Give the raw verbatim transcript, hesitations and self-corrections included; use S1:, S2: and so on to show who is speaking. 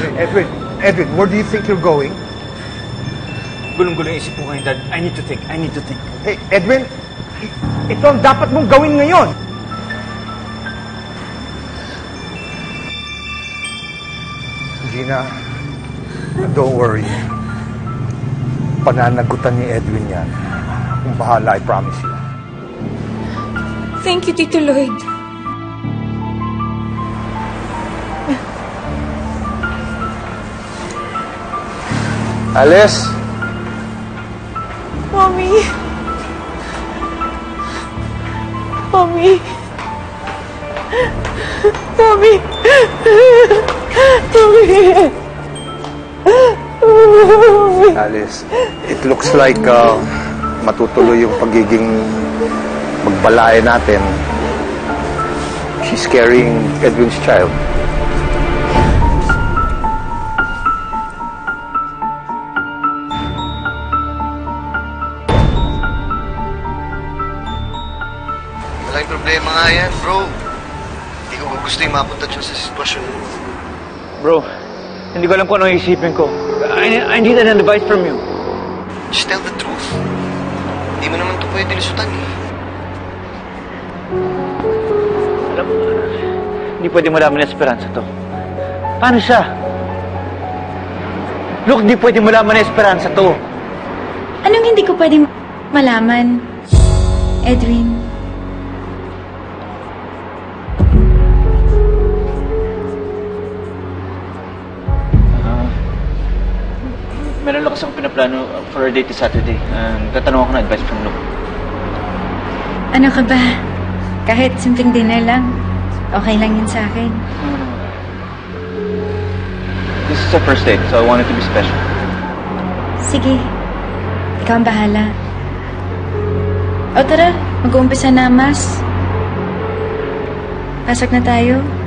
S1: Edwin, Edwin, where do you think you're going?
S2: Gulong-gulo yung isip ko ngayon, Dad. I need to think. I need to think.
S1: Hey, Edwin, ito ang dapat mong gawin ngayon. Gina, don't worry. Pananagutan ni Edwin yan. Kung bahala, I promise you.
S3: Thank you, Tito Lloyd.
S1: Alice?
S3: Mommy. Mommy. Mommy. Mommy.
S1: Alice, it looks like uh, matutuloy yung pagiging magbalaya natin. She's carrying Edwin's child.
S4: Malaking problema nga yan, bro. Hindi ko gusto yung mapunta siya sa sitwasyon.
S2: Bro, hindi ko alam kung ano isipin ko. I, I need an advice from you.
S4: Just tell the truth. Hindi mo naman ito pwede lisutan eh.
S2: Alam mo, hindi pwede malaman ng Esperanza to. Paano siya? Look, hindi pwede malaman ng Esperanza to.
S3: Anong hindi ko pwedeng malaman, Edwin?
S2: Meron lang kasi akong pinaplano for a date this Saturday. Um, tatanong ako ng advice from Luke.
S3: Ano ka ba? Kahit simpleng dinner lang, okay lang yun sa akin.
S2: This is our first date, so I want it to be special.
S3: Sige. Ikaw ang bahala. O tara, mag-uumpisa na, Mas. Pasok na tayo.